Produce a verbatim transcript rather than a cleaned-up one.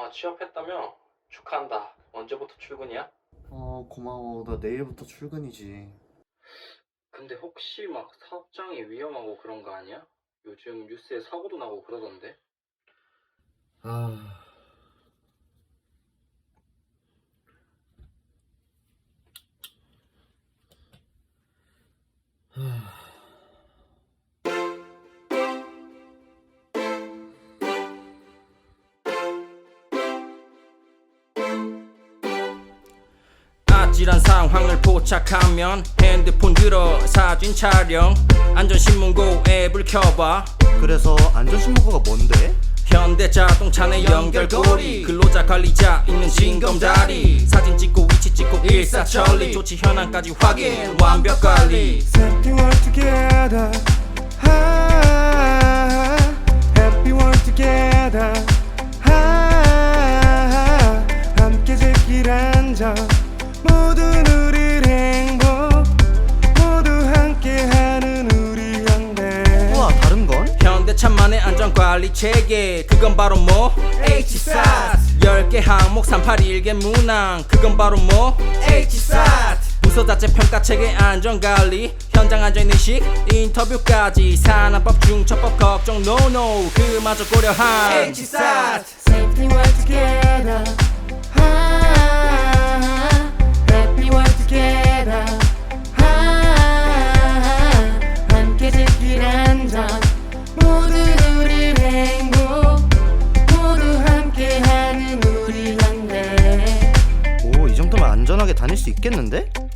아, 취업했다며? 축하한다. 언제부터 출근이야? 어, 고마워. 나 내일부터 출근이지. 근데 혹시 막 사업장이 위험하고 그런 거 아니야? 요즘 뉴스에 사고도 나고 그러던데. 아, 아찔한 상황을 포착하면 핸드폰 들어 사진 촬영, 안전신문고 앱을 켜봐. 그래서 안전신문고가 뭔데? 현대자동차 내 연결고리, 근로자 관리자 있는 징검다리, 사진 찍고 위치 찍고 일사천리, 조치 현황까지 확인, 완벽 관리. Happy world together. 아, Happy world together. 아, 함께 제길 한잔. 모든 우리 행복. 모두 함께하는 우리 현대. 우와, 다른 건? 현대차만의 안전관리 체계, 그건 바로 뭐? 에이치사트. 열 개 항목 삼팔일 개 문항, 그건 바로 뭐? 에이치사트. 부서 자체 평가체계 안전관리, 현장 안전인식 인터뷰까지, 산업법 중첩법 걱정 노노 그마저 고려한 에이치사트. Safety world together. 아, Happy world together. 아, 함께 제길 한잔. 모든 우리 행복. 모두 함께하는 우리 현대. 오, 이 정도면 안전하게 다닐 수 있겠는데?